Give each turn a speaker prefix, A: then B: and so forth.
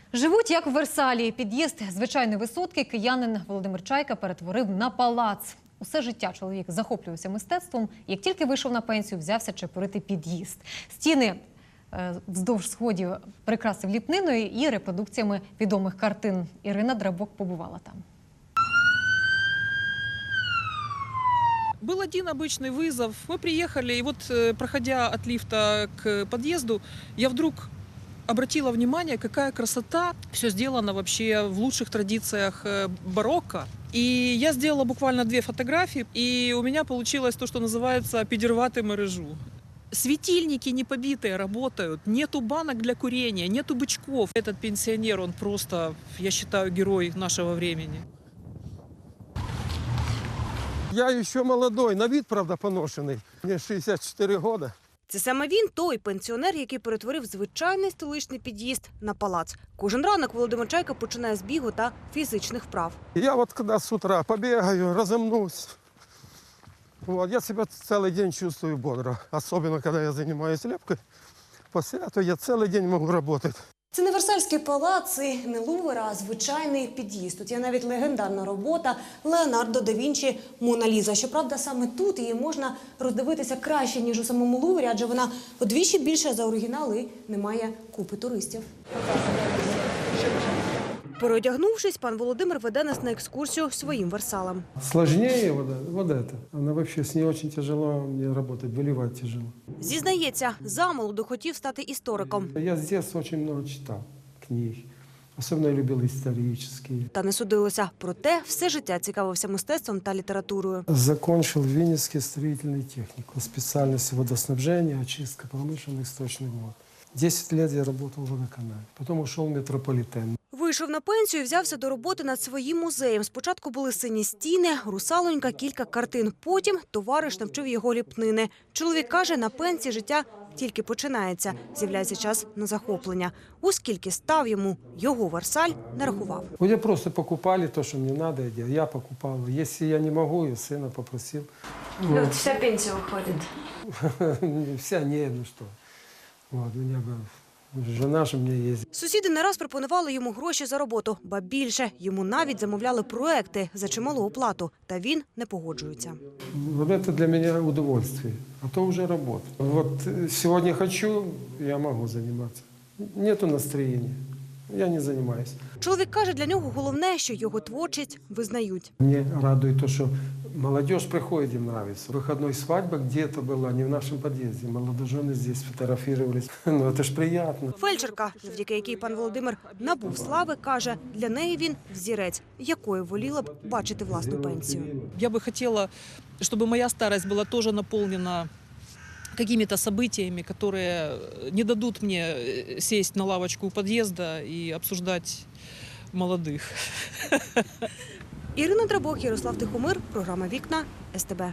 A: Живуть як в Версалі. Під'їзд звичайної висотки киянин Володимир Чайка перетворив на палац. Усе життя чоловік захоплювався мистецтвом. Як тільки вийшов на пенсію, взявся чепурити під'їзд. Стіни вздовж сходів прикрасив ліпниною і репродукціями відомих картин. Ірина Драбок побувала там.
B: Был один обычный вызов. Мы приехали, и вот, проходя от лифта к подъезду, я вдруг обратила внимание, какая красота. Все сделано вообще в лучших традициях барокко. И я сделала буквально 2 фотографии, и у меня получилось то, что называется «підірвати мережу». Светильники не побитые работают, нету банок для курения, нету бычков. Этот пенсионер, он просто, я считаю, герой нашего времени.
C: Я еще молодой, на вид, правда, поношений. Мені 64 роки.
D: Це саме він, той пенсіонер, який перетворив звичайний столичний під'їзд на палац. Кожен ранок Володимир Чайка починає з бігу та фізичних вправ.
C: Я вот когда с утра побегаю, разомнусь, вот, я себя целый день чувствую бодро. Особенно, когда я занимаюсь лепкой. После этого я целый день могу работать.
D: Це не Версальський палац і не Лувр, а звичайний під'їзд. Тут є навіть легендарна робота Леонардо да Вінчі «Мона Ліза». Щоправда, саме тут її можна роздивитися краще, ніж у самому Луврі, адже вона удвічі більша за оригінал і не має купи туристів. Переодягнувшись, пан Володимир веде нас на екскурсію своїм Версалем.
C: Сложнее вот это. Она вообще, с ней очень тяжело мне работать, выливать тяжело.
D: Зізнається, замолоду хотів стати істориком.
C: Я с детства очень много читал книг. Особенно я любил исторические.
D: Та не судилося. Проте все життя цікавився мистецтвом та літературою.
C: Закончил Винницкий строительный техникум. Специальность водоснабжения, очистка промышленных сточных вод. 10 лет я работал в водоканале. Потом ушел в метрополитен.
D: Вийшов на пенсію і взявся до роботи над своїм музеєм. Спочатку були сині стіни, русалонька, кілька картин. Потім товариш навчив його ліпнини. Чоловік каже, на пенсії життя тільки починається. З'являється час на захоплення. Оскільки став йому його Версаль, не рахував.
C: Мне просто покупали то, что мне надо, я покупал. Если я не могу, я сына попросил.
D: От вся пенсія виходить.
C: Вся не, ну что. Вот, у меня жена же мне ездит.
D: Сусіди не раз пропонували йому гроші за роботу. Ба більше, йому навіть замовляли проекти за чималу оплату. Та він не погоджується.
C: Вот это для меня удовольствие, а то уже работа. Вот сегодня хочу, я могу заниматься. Нету настроения, я не занимаюсь.
D: Чоловік каже, для нього головне, що його творчість визнають.
C: Мне радует то, что молодежь приходит, им нравится. Выходной свадьба где-то была, не в нашем подъезде. Молодожены здесь фотографировались. Ну, это ж приятно.
D: Фельдшерка, завдяки якій пан Володимир набув слави, каже, для неї він взірець, якою воліла б бачити власну пенсію.
B: Я бы хотела, чтобы моя старость была тоже наполнена какими-то событиями, которые не дадут мне сесть на лавочку у подъезда и обсуждать молодых.
D: Ірина Драбок, Ярослав Тихомир, програма «Вікна», СТБ.